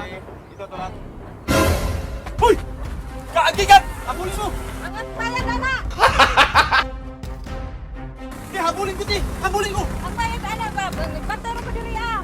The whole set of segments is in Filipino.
Ito to lang. Hoy! Kaagi ka! Habulin mo! Ang bayad ana! Di, habulin ko, di! Habulin ko! Ang bayad ana ba? Nagpatero ko diri ah!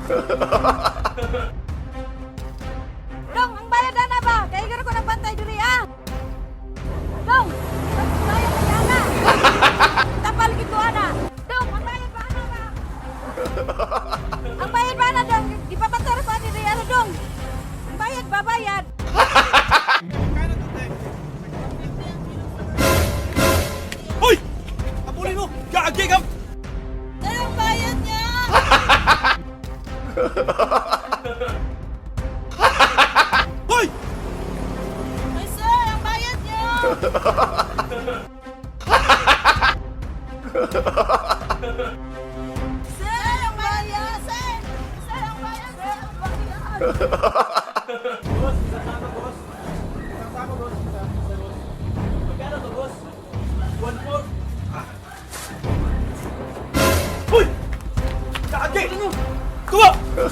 Dong, ang bayad ana ba? Kaya gano'n ko nagbantay diri ah! Dong! Ang bayad ana! Tapal gitu ana! Dong, ang bayad ba ana ba? Ang bayad ba ana dong? Di pa patero ko diri ano dong? Ang bayad ba bayad? Hoy! Habulin mo! Kaagi ka! Sir, ang bayad niya! Hoy! Ay, sir, ang bayad niya! Sir, ang bayad! Sir! Sir, ang bayad! Sir, ang bayad! Boss, sasama boss. Sasama boss. Magkano to boss? 1-4. Hoy! Kaagi! Tuwa!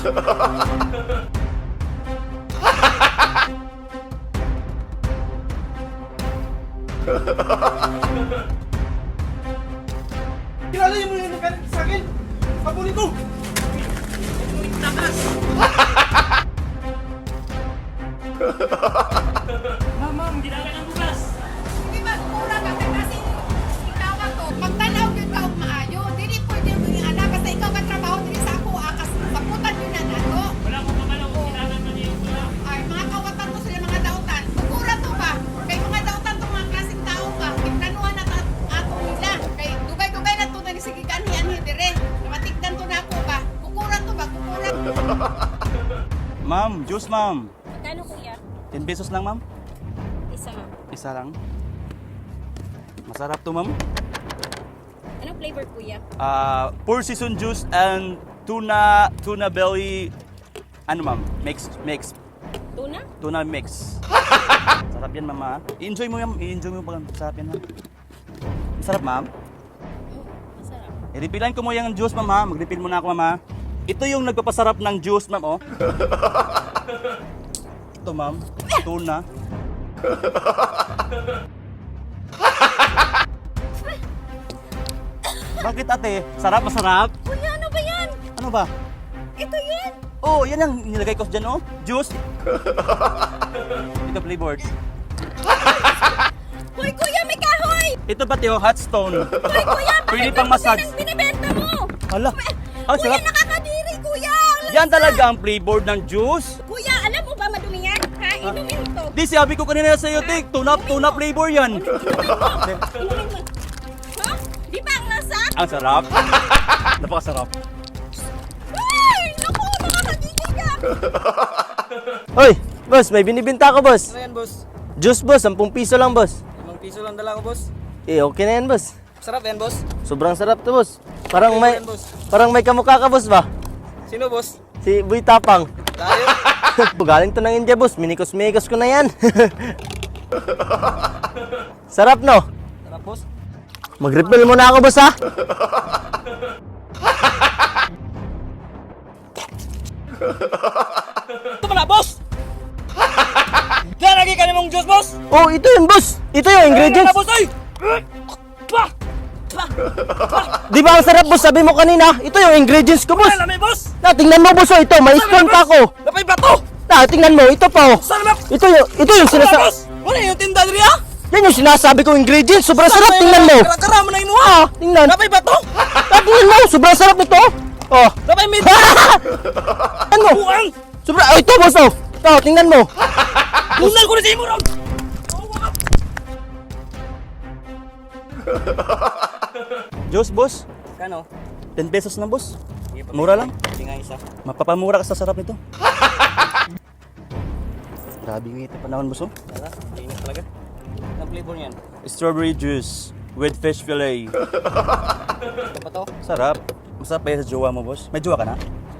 Kilala niyo mo yung nagkalit sa akin? Habulin ko! Ma'am, ginagawa ng bukas. Di ba, kurang ka kasi ikaw ako. Magtanaw yun ka og maayo. Dili pwede yung mga anak kasi ikaw ka trabaho dili sa ako. Akas saputan yun na nato. Wala akong kamalaw kung kailangan mo niya yung wala. Ay, mga kawatan to sila mga dautan. Kukura to ba? Kay mga dautan to mga klaseng tao ba? Tignanuhan na ato nila. Kay dugay-dugay na to na ni sige kanhi-anhi dire. Namatigdan to na ako ba? Kukura to ba? Kukura. Ma'am, juice ma'am. Magkano kuya? 10 pesos lang ma'am. Isa nga. Isa lang. Masarap to ma'am. Anong flavor kuya? Four season juice and tuna belly. Ano ma'am? Mix. Tuna? Tuna mix. Sarap yan mama. I-enjoy mo yan. I-enjoy mo pag sarap yan. Ha? Masarap ma'am. Masarap. I-refillan ko mo yung juice ma'am ha. Mag-refill muna ako ma'am ha. Ito yung nagpapasarap ng juice ma'am oh. Ito ma'am. Tuna. Bakit ate? Sarap, masarap? Kuya, ano ba yan? Ano ba? Ito yan! Oh, yan ang nilagay ko dyan oh. Juice. Ito flavored. Hoy kuya, may kahoy! Ito ba tiyo? Hot stone. Hoy kuya, Pwede bakit pang massage. ang binibenta mo? Hala. Ang Kuya, sarap. nakakadiri kuya! Yan talaga ang flavored ng juice. Kuya, alam mo ba madumi yan? Ha? Inumin mo to. Di sabi ko kanina sa iyo, Tik. Tuna flavor yan. Inumin mo. Ha? Di ba ang nasa? Ang sarap. Napakasarap. Hoy! Naku, nakakadiri ka! Hoy, boss, may binibenta ko, boss. Ano yan, boss? Juice, boss, 10 piso lang, boss. 5 piso lang dala ko, boss. Eh, okay na yan, boss. Sarap yan, boss. Sobrang sarap to, boss. Parang Okay may yan, boss. parang may kamukha ka, boss ba? Sino, boss? Si Boy Tapang. Tayo. Galing to ng India, boss. Minikos-mikos ko na yan. Sarap, no? Sarap, boss. Mag-refill muna ako, boss, ha? Ito pala, boss! Lalagay ka namang juice, boss! Oh, ito yun, boss. Ito yung ingredients. boss, ay! Pa! Di ba ang sarap, boss? Sabi mo kanina. Ito yung ingredients ko, boss. Alam mo, boss! Na, tingnan mo, boss. Oh, ito, may stone pa ako. Napay ba to? Na, tingnan mo. Ito pa, oh. Saan ba? Ito yung Wala, sinasabi. boss! Wala yung tinda diri, ha? Yan yung sinasabi ko ingredients. Sobrang sarap. Tingnan mo. Kara mo na inuha! Ah, tingnan. Napay ba to? Tingnan mo. Sobrang sarap nito. Oh. Napay mid! Ano mo? Buang! Sobrang, oh, ito, boss, oh. Ito, tingnan mo. Bunal ko na sa imo, Ron! Juice, boss. Kano? 10 pesos na, boss. Mura lang. Hindi nga isa. Mapapamura ka sa sarap nito. Grabe yung ito panahon, boss. Oh. Wala, linis talaga. Anong flavor niyan? Strawberry juice with fish fillet. Ito pa to? Sarap. Masarap pa yan sa jowa mo, boss. May jowa ka na?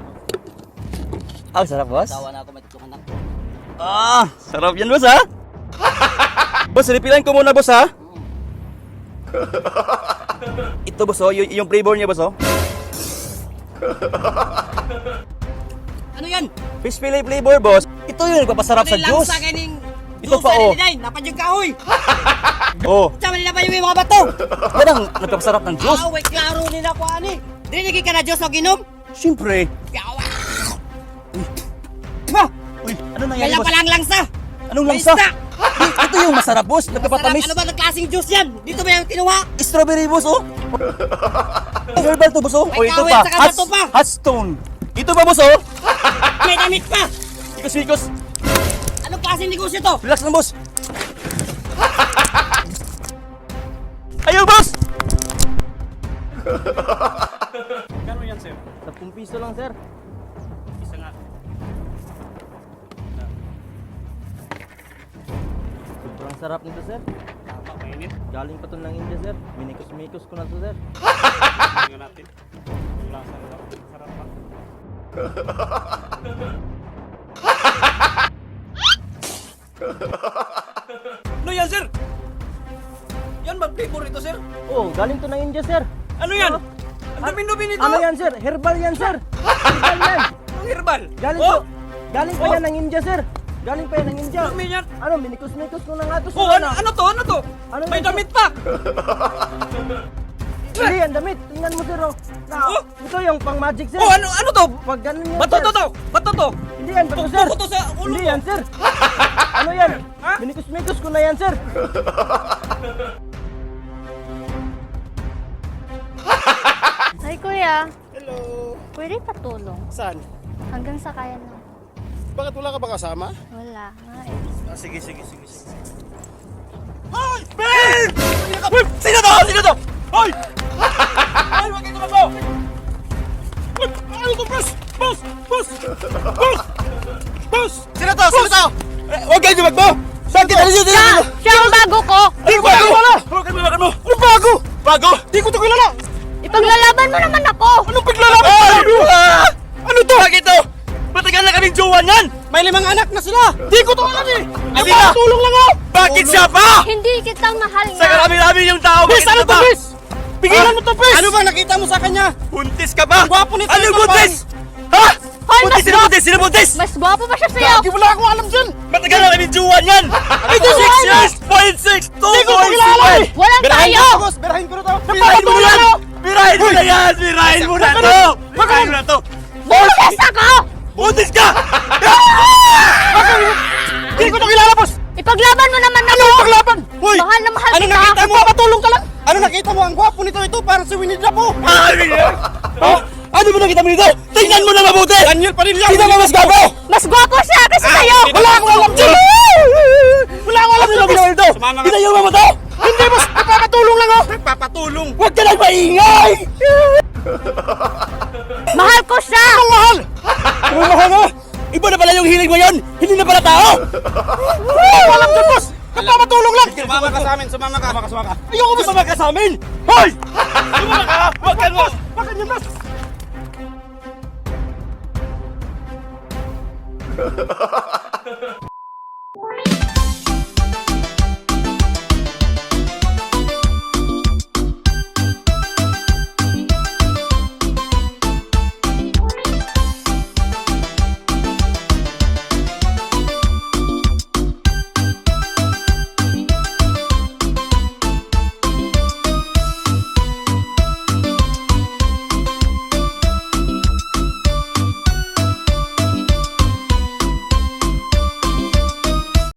Ah, sarap, boss. Tawa na ako, may tutulungan na. Ah, sarap yan, boss, ha? Boss, repilan ko muna, boss, ha? Ito, boss, oh. Yung flavor niya, boss, oh. Ano yan? Fish fillet flavor, boss. Ito Ito yung nagpapasarap sa Lang juice. sa ganing. Ito pa, oh. Napadyo ka, oy. Oh, Sama nila ba yung mga bato? yan ang nagpapasarap ng juice. Wait, klaro nila ko, ani. Dinigay ka na Diyos o ginom? Siyempre. Yawa. Uy, ano nangyari, Kaya boss? pala ang langsa. Anong May langsa? isda. Ito yung masarap, boss. Sarap, Nagpapatamis. ano ba ng klaseng juice yan? Dito ba yung kinuha? Strawberry, boss, oh. Herbal to, boss, oh. May Oh, ito kawit, pa. saka bato pa. Hot stone. Ito ba, boss, oh? May damit pa. Sikos-sikos. Anong klaseng negosyo to? Relax lang, boss. Ayaw, boss! 10 piso lang, sir. Isa nga. Sobrang sarap nito, sir. Mainit. Galing pa to ng India, sir. Minikos-mikos ko na to, sir. Tingnan natin. Yung lasa nito. Sarap pa. Ano yan, sir? Yan ba flavor ito, sir? Oh, galing to ng India, sir. Ano yan? Ang dumi-dumi nito. Ano yan, sir? Herbal yan, sir. Herbal yan. Ang herbal. Galing pa yan ng India, sir. Galing pa yan ng India. Dumi yan. Ano, minikos-mikos ko na nga to, sir. Oh, ano to? Ano to? Ano May yan, sir? damit pa. Hindi yan, damit. Tingnan mo, sir, oh. Oh. Ito yung pang magic, sir. Oh, ano to? Pag ganun yan, Bato sir. to to. Bato to. Hindi yan, bato, sir. Tuko to sa ulo Hindi mo. yan, sir. Ano yan? Ha? Minikos-mikos ko na yan, sir. Ay, kuya. Hello. Pwede patulong. Saan? Hanggang sa kaya na. Bakit wala ka ba kasama? Wala nga eh. Sige. Hoy! Ben! Sino to? Sino to? Hoy! Hoy, wag kayo tumakbo! Hoy! Ano to, boss? Boss! Boss! Boss! Boss! Sino to? Sino to? Huwag kayo tumakbo! Saan kita? Siya ang bago ko! Di ko bago! Huwag mo! Ano bago? Bago? Di ko to kilala! Ipaglalaban mo naman ako! Anong paglalaban? Ano to? Bakit to? Matagal na kaming jowa niyan! May 5 anak na sila. Di ko to alam eh! Tulong lang ako! Bakit siya pa? Hindi kita mahal Sa nga! karami-rami yung tao! Bis, ano to, Bis? Pigilan mo to, Bis! Ano ba nakita mo sa kanya? Buntis ka ba? Gwapo nito Anong ito, buntis? Ha? Hoy, Buntis? Sino buntis? Sino buntis? Mas gwapo pa siya sa'yo! Wala akong alam dyan! Matagal na kami jowa niyan! 86 years! 0.6! 2.6! Walang tayo! Boss, berahin ko na to. Birahin mo yan! Birahin mo na yan! Birahin mo na to! Birahin mo na to! Buntis ako! Buntis ka! Hindi ko to kilala, boss. Ipaglaban mo naman ako! Paglaban. Hoy. Mahal na mahal Ano kita! nakita mo? Patulong ka lang. Ano nakita mo? Ang gwapo nito ito. Parang si Winnie the Pooh. Ano ba nakita mo dito? Tingnan mo na mabuti! Daniel Padilla. Sino ba mas gago? Mas gwapo siya kasi sa'yo! Wala akong alam dyan! Wala akong alam dyan! Ano ito? Sumama ka. Pinayaw mo to? Hindi, boss. Nagpapatulong lang ako. Nagpapatulong. Huwag ka nang maingay! Mahal ko siya! Mahal! Mahal mo! Iba na pala yung hiling mo yun! Hindi na pala tao! Alam dyan, boss. Nagpapatulong lang. Sumama ka sa amin. Sumama ka. Ayoko ba sumama ka sa amin? Hoy! Sumama ka! Huwag ka mo! Bakit yun, boss?